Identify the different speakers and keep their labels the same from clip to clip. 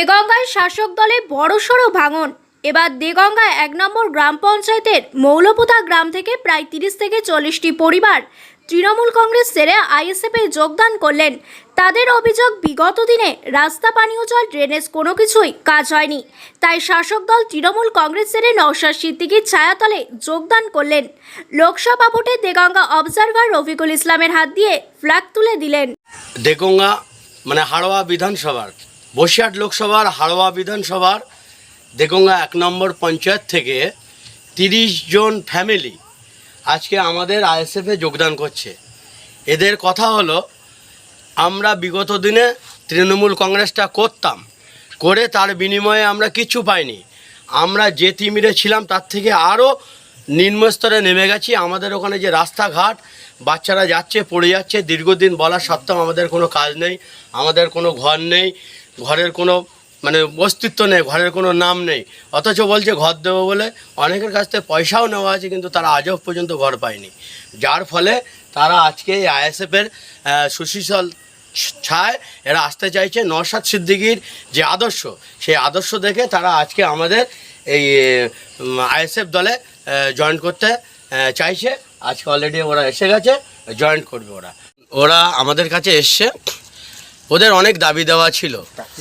Speaker 1: দেগঙ্গায় শাসক দলে বড়সড় ভাঙন। এবার দেগঙ্গা ১ নম্বর গ্রাম পঞ্চায়েতের মৌলপুতা গ্রাম থেকে প্রায় ৩০ থেকে ৪০টি পরিবার তৃণমূল কংগ্রেস ছেড়ে আইএসএফে যোগদান করলেন। তাদের অভিযোগ, বিগত দিনে রাস্তা, পানীয় জল, ড্রেনেজ কোনো কিছুই কাজ হয়নি। তাই শাসক দল তৃণমূল কংগ্রেস ছেড়ে নওশাদ সিদ্দিকীর ছায়াতলে যোগদান করলেন। লোকসভা ভোটে দেগঙ্গা অবজারভার রফিকুল ইসলামের হাত দিয়ে ফ্ল্যাগ তুলে দিলেন।
Speaker 2: দেগঙ্গা মানে হাড়োয়া বিধানসভার, বসিরহাট লোকসভার হাড়োয়া বিধানসভার দেগঙ্গা ১ নম্বর পঞ্চায়েত থেকে ৩০ জন ফ্যামিলি আজকে আমাদের আইএসএফে যোগদান করছে। এদের কথা হলো, আমরা বিগত দিনে তৃণমূল কংগ্রেসটা করতাম, করে তার বিনিময়ে আমরা কিচ্ছু পাইনি। আমরা যে তিমিরে ছিলাম তার থেকে আরও নিম্নস্তরে নেমে গেছি। আমাদের ওখানে যে রাস্তাঘাট, বাচ্চারা যাচ্ছে পড়ে যাচ্ছে, দীর্ঘদিন বলা সত্ত্বেও আমাদের কোনো কাজ নেই, আমাদের কোনো ঘর নেই, ঘরের কোনো মানে অস্তিত্ব নেই, ঘরের কোনো নাম নেই। অথচ বলছে ঘর দেবো বলে, অনেকের কাছ থেকে পয়সাও নেওয়া আছে, কিন্তু তারা আজও পর্যন্ত ঘর পায়নি। যার ফলে তারা আজকে এই আইএসএফের সুশীতল ছায় এরা আসতে চাইছে। নওশাদ সিদ্দিকীর যে আদর্শ, সেই আদর্শ দেখে তারা আজকে আমাদের এই আইএসএফ দলে জয়েন করতে চাইছে। আজকে অলরেডি ওরা এসে গেছে, জয়েন করবে। ওরা আমাদের কাছে এসছে, ওদের অনেক দাবি দেওয়া ছিল,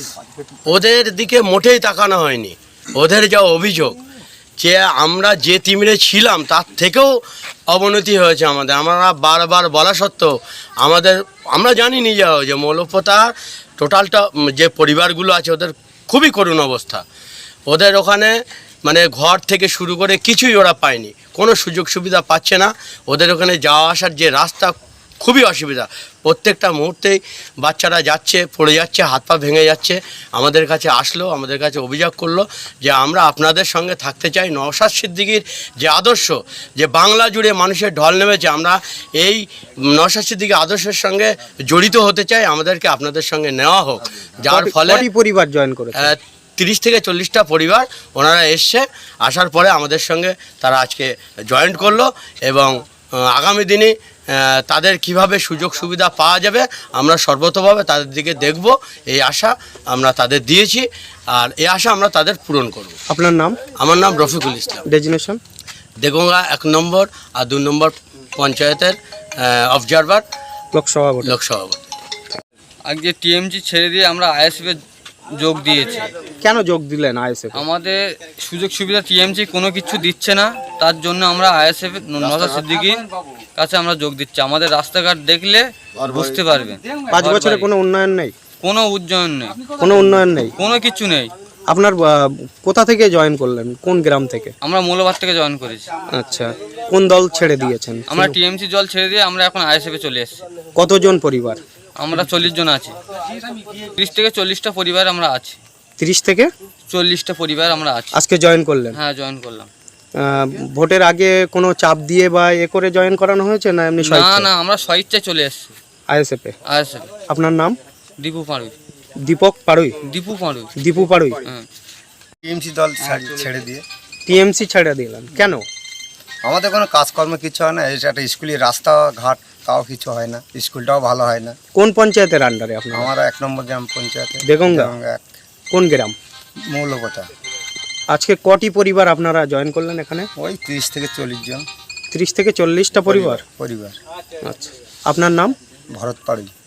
Speaker 2: ওদের দিকে মোটেই তাকানো হয়নি। ওদের যা অভিযোগ যে আমরা যে তিমিরে ছিলাম তার থেকেও অবনতি হয়েছে আমাদের। আমরা বারবার বলা সত্ত্বেও আমরা জানি নিজেও যে মৌলপোতার টোটালটা যে পরিবারগুলো আছে ওদের খুবই করুণ অবস্থা। ওদের ওখানে মানে ঘর থেকে শুরু করে কিছুই ওরা পায়নি, কোনো সুযোগ সুবিধা পাচ্ছে না। ওদের ওখানে যাওয়া আসার যে রাস্তা খুবই অসুবিধা, প্রত্যেকটা মুহূর্তেই বাচ্চারা যাচ্ছে, পড়ে যাচ্ছে, হাত পা ভেঙে যাচ্ছে। আমাদের কাছে আসলো, আমাদের কাছে অভিযোগ করলো যে আমরা আপনাদের সঙ্গে থাকতে চাই। নওশাদ সিদ্দিকীর যে আদর্শ, যে বাংলা জুড়ে মানুষের ঢল নেমেছে, আমরা এই নওশাদ সিদ্দিকীর আদর্শের সঙ্গে জড়িত হতে চাই, আমাদেরকে আপনাদের সঙ্গে নেওয়া হোক। যার ফলে
Speaker 3: পরিবার জয়েন করে
Speaker 2: ৩০ থেকে ৪০টা পরিবার ওনারা এসছে। আসার পরে আমাদের সঙ্গে তারা আজকে জয়েন্ট করলো এবং আগামী দিনে তাদের কিভাবে সুযোগ সুবিধা পাওয়া যাবে আমরা সর্বতভাবে তাদের দিকে দেখব, এই আশা আমরা তাদের দিয়েছি। আর এই আশা আমরা তাদের পূরণ করব।
Speaker 3: আপনার নাম?
Speaker 2: আমার নাম রফিকুল ইসলাম,
Speaker 3: ডেজিনেশন
Speaker 2: দেগঙ্গা ১ নম্বর আর ২ নম্বর পঞ্চায়েতের অবজারভার লোকসভা ভোট।
Speaker 4: আজকে টিএমসি ছেড়ে দিয়ে আমরা আইএসএফে যোগ দিয়েছি।
Speaker 3: কেন যোগ দিলেন আইএসএফ?
Speaker 4: আমাদের সুযোগ সুবিধা টিএমসি কোনো কিছু দিচ্ছে না, তার জন্য আমরা আইএসএফ নওশাদ সিদ্দিকীর কাছে আমরা যোগ দিচ্ছি। আমাদের রাস্তাঘাট দেখলে বুঝতে পারবেন
Speaker 3: ৫ বছরে কোনো উন্নয়ন নেই,
Speaker 4: কোনো উন্নয়ন নেই,
Speaker 3: কোনো উন্নয়ন নেই,
Speaker 4: কোনো কিছু নেই।
Speaker 3: আপনার কোথা থেকে জয়েন করলেন, কোন গ্রাম থেকে?
Speaker 4: আমরা মৌলবাদ থেকে জয়েন করেছি।
Speaker 3: আচ্ছা, কোন দল ছেড়ে দিয়েছেন?
Speaker 4: আমরা টিএমসি দল ছেড়ে দিয়ে আমরা এখন আইএসএফে চলে এসেছি।
Speaker 3: কতজন পরিবার?
Speaker 4: আমরা ৪০ জন আছি। ৩০ থেকে ৪০টা পরিবার আমরা আছি।
Speaker 3: ৩০ থেকে
Speaker 4: ৪০টা পরিবার আমরা আছি।
Speaker 3: আজকে জয়েন করলেন?
Speaker 4: হ্যাঁ, জয়েন করলাম।
Speaker 3: ভোটের আগে কোনো চাপ দিয়ে বা করে জয়েন করানো হয়েছে না এমনি?
Speaker 4: না, আমরা স্বেচ্ছায় চলে এসেছি
Speaker 3: আইএসএফে। আপনার নাম?
Speaker 4: দীপু পাড়ুই।
Speaker 3: দীপক পাড়ুই? দীপু পাড়ুই।
Speaker 5: টিএমসি দল ছেড়ে দিয়ে
Speaker 3: টিএমসি ছেড়ে দিলেন কেন?
Speaker 5: আমাদের কোনো কাজকর্ম কিছু হয় না। এই একটা স্কুলের রাস্তাঘাট তাও কিছু হয় না, স্কুলটাও ভালো হয় না।
Speaker 3: কোন পঞ্চায়েতের আন্ডারে আপনার?
Speaker 5: আমরা ১ নম্বর গ্রাম পঞ্চায়েতে।
Speaker 3: দেগঙ্গা? কোন গ্রাম?
Speaker 5: মৌলপোতা।
Speaker 3: আজকে কটি পরিবার আপনারা জয়েন করলেন এখানে?
Speaker 5: ওই ৩০ থেকে ৪০ জন।
Speaker 3: ৩০ থেকে ৪০টা পরিবার।
Speaker 5: পরিবার।
Speaker 3: আচ্ছা, আপনার নাম?
Speaker 5: ভরত পাড়ুই।